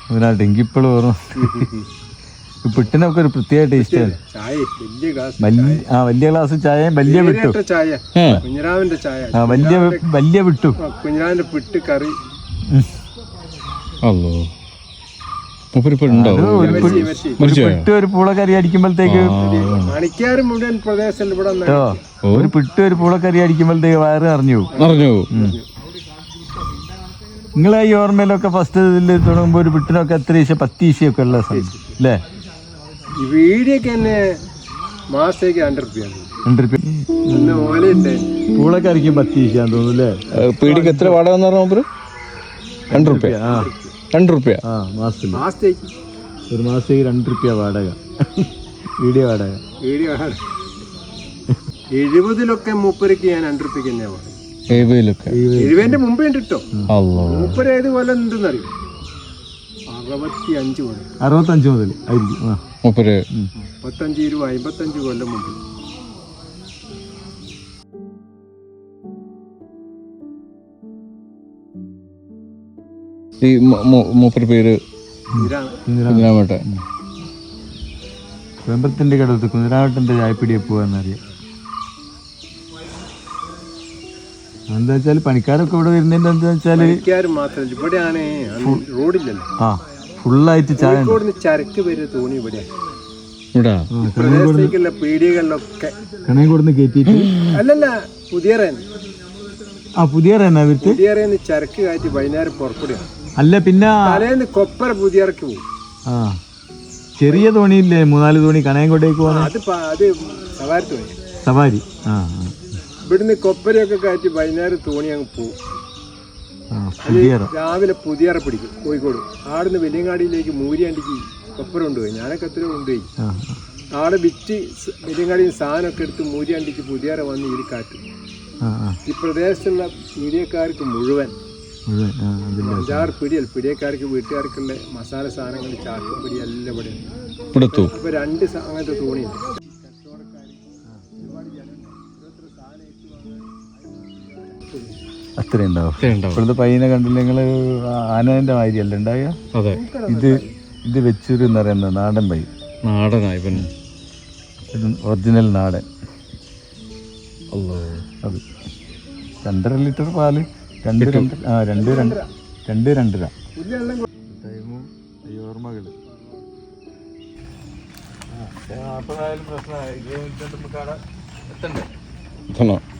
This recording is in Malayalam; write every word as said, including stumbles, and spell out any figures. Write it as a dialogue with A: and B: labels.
A: അതിനായിട്ട് എനിക്കിപ്പോഴും ഓർമ്മ. പിട്ടിനൊക്കെ ഒരു പ്രത്യേക ടേസ്റ്റാണ്. ആ വലിയ ഗ്ലാസ് ചായയും വലിയ വിട്ടു ആ വലിയ വലിയ വിട്ടു
B: കുഞ്ഞിരാവിന്റെ പിട്ട് കറി.
A: പിട്ട് ഒരു പൂളക്കറി അടിക്കുമ്പോഴത്തേക്ക്
B: മണിക്കാറ് മുഴുവൻ പ്രദേശം ഇവിടെ
A: ഒരു പിട്ട് ഒരു പൂളക്കറി അടിക്കുമ്പോഴത്തേക്ക് വയറ് അറിഞ്ഞു
C: അറിഞ്ഞു.
A: നിങ്ങളെ ഈ ഓർമ്മയിലൊക്കെ ഫസ്റ്റ് ഇതിൽ തുടങ്ങുമ്പോൾ ഒരു പിട്ടിനൊക്കെ എത്ര ഈശ പത്ത് ഈശയൊക്കെ ഉള്ള സമയം അല്ലേ?
B: ഈ വീടിയൊക്കെ തന്നെ മാസത്തേക്ക് രണ്ട് റുപ്യാണ്.
A: രണ്ട് റുപ്യ
B: ഓലയുണ്ട്.
A: പൂളക്കറിക്കും പത്ത് ഈശയാന്ന് തോന്നുന്നു അല്ലേ?
C: പീടിക്ക് എത്ര വാടക എന്ന് പറഞ്ഞ? രണ്ട് റുപ്യ.
A: ആ
C: രണ്ട് റുപ്യ
A: ആ മാസത്തിൽ
B: മാസത്തേക്ക്
A: ഒരു മാസത്തേക്ക് രണ്ട് റുപ്യ വാടക. വീഡിയോ വാടക
B: വീഡിയോ വാടക എഴുപതിലൊക്കെ മൂപ്പരക്ക് ഞാൻ രണ്ട് റുപ്യക്ക് തന്നെയാണ് വാടക.
C: എഴുപതിലൊക്കെ
B: എഴുപതിന്റെ മുമ്പേ ഉണ്ട് കേട്ടോ. മൂപ്പര് ഏത് കൊല്ലം എന്തെന്നറിയോ? അറുപത്തി അഞ്ച് കൊല്ലം
A: അറുപത്തഞ്ച് മുതൽ ആയിരിക്കും.
C: മൂപ്പര്
B: മുപ്പത്തഞ്ച് ഇരുപത് അമ്പത്തഞ്ച് കൊല്ലം മുമ്പ്.
C: ഈ മൂപ്പര് പേര് കുഞ്ഞിരാമേട്ടൻ.
A: വെമ്പത്തിന്റെ കടത്ത് കുഞ്ഞിരാമേട്ടന്റെ ചായപ്പിടിയെ പോവാന്നറിയാം. എന്താ വെച്ചാല് പണിക്കാരൊക്കെ ഇവിടെ വരുന്നതിന്റെ എന്താ വെച്ചാല്
B: മാത്രമല്ല ഇവിടെയാണ് റോഡില്ലല്ലോ.
A: ആ ഫുള്ളായിട്ട് ചായ
B: ചരക്ക് വരെ തോണി ഇവിടെ പീടികകളിലൊക്കെ
A: കണയും കൊടുന്ന് കയറ്റിട്ട്
B: അല്ലല്ല പുതിയ
A: ആ പുതിയ
B: പുതിയ ചരക്ക് കാറ്റി വൈകുന്നേരം പുറപ്പെടുകയാണ്.
A: അല്ല പിന്നെ
B: തലേന്ന് കൊപ്പര പുതിയറക്ക് പോകും.
A: ആ ചെറിയ തോണിയില്ലേ മൂന്നാല് തോണി കണയംകോട്ടേക്ക് പോകാൻ?
B: അത് അത് സവാരി തോണി.
A: സവാരി ആ
B: ഇവിടുന്ന് കൊപ്പരയൊക്കെ കാറ്റി വൈകുന്നേരം തോണി അങ്ങ് പോകും. രാവിലെ പുതിയറ പിടിക്കും കോഴിക്കോട്. ആടുന്ന് വലിയങ്ങാടിയിലേക്ക് മൂരിയാണ്ടിക്ക് കൊപ്പര കൊണ്ടുപോയി. ഞാനൊക്കെ എത്ര കൊണ്ടുപോയി. ആടെ വിറ്റ് വലിയങ്ങാടിയിൽ സാധനമൊക്കെ എടുത്ത് മൂരിയാണ്ടിക്ക് പുതിയറ വന്ന് ഈ കാറ്റും. ഈ പ്രദേശത്തുള്ള പീടിയക്കാർക്ക് മുഴുവൻ അഞ്ചാറ് പിടിയൽ പിടിയക്കാർക്ക് വീട്ടുകാർക്കുള്ള മസാല സാധനങ്ങൾ ചാക്കും പിടി എല്ലാം ഇവിടെ ഇപ്പൊ രണ്ട് അങ്ങനത്തെ തോണിയുണ്ട്.
A: അത്രയും ഉണ്ടാവും. ഇപ്പോഴത്തെ പയ്യനെ കണ്ടില്ല നിങ്ങള്? ആനന്റെ മാതിരിയല്ല ഉണ്ടാവുക.
C: അതെ
A: ഇത് ഇത് വെച്ചൂര് എന്ന് പറയുന്നത് നാടൻ പൈ.
C: നാടനായി
A: ഒറിജിനൽ നാടൻ. അത് രണ്ടര ലിറ്റർ പാല് രണ്ട് രണ്ട് ആ രണ്ട് രണ്ട് രണ്ട് രണ്ടര ടൈമും ഓർമ്മകള്. നാൽപ്പതായാലും പ്രശ്നമായി. ഇരുപത് മിനിറ്റ് നമുക്ക് അവിടെ എത്തണ്ടേ?